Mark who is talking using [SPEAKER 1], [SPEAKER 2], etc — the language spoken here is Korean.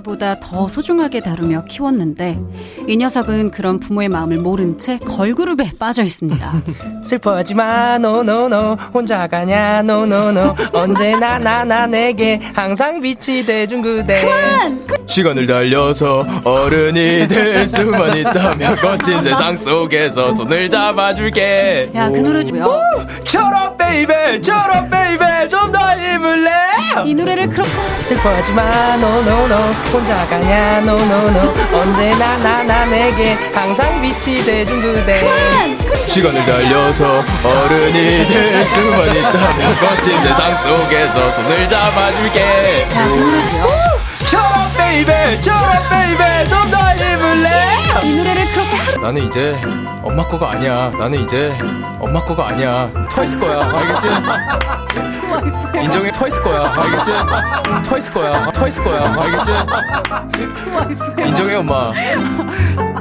[SPEAKER 1] 아기보다 더 소중하게 다루며 키웠는데 이 녀석은 그런 부모의 마음을 모른 채 걸그룹에 빠져 있습니다.
[SPEAKER 2] 슬퍼하지마 노노노 혼자 가냐 노노노 언제나 나나 내게 항상 빛이 돼준 그대.
[SPEAKER 3] 시간을 달려서 어른이 될 수만 있다면 거친 세상 속에서 손을 잡아줄게.
[SPEAKER 1] 야, 그 노래 뭐야?
[SPEAKER 3] 철업 베이베 철업 베이베 좀 더 힘을 내.
[SPEAKER 1] 이 노래를 그렇게
[SPEAKER 2] 슬퍼하지마 노노노 혼자 가냐 노노노 언제나 나나 내게 항상 빛이 돼준 그대.
[SPEAKER 3] 시간을 달려서 어른이 될 수만 있다면 거친 세상 속에서 손을 잡아줄게.
[SPEAKER 1] 야, 그 노래 뭐야?
[SPEAKER 3] 철업 베이베 철업 베이베 좀 더 힘을 내.
[SPEAKER 1] 이 노래를 그렇게 하루
[SPEAKER 3] 나는 이제 엄마 거가 아니야. 나는 이제 엄마 거가 아니야. 트와이스 거야. 알겠지? 인정해. 트와이스 거야. 알겠지? 트와이스 거야. 트와이스 거야. 알겠지? 인정해 엄마.